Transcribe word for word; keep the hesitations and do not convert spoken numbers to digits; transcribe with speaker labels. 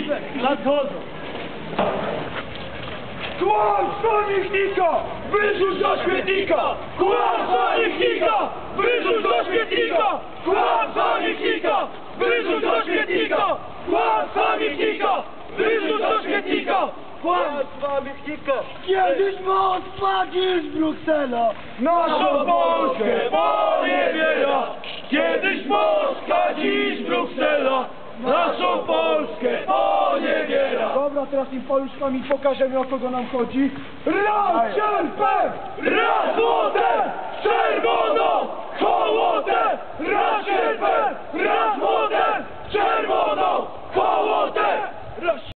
Speaker 1: Nadchodzą!
Speaker 2: Kłamstwo niechnika! Wyrzuć do śmietnika! Kłamstwo niechnika! Wyrzuć do śmietnika! Kłamstwo niechnika! Wyrzuć do śmietnika! Kłamstwo niechnika! Wyrzuć do śmietnika! Kłamstwo niechnika!
Speaker 1: Kiedyś moc padnie z Bruksela!
Speaker 2: Naszą Polskę poniewiera! Kiedyś Polska, dziś Bruksela! Naszą Polskę poniewiera!
Speaker 1: Dobra, teraz im paluszkami pokażemy, o kogo nam chodzi.
Speaker 2: Raz sierpem! Raz złotem!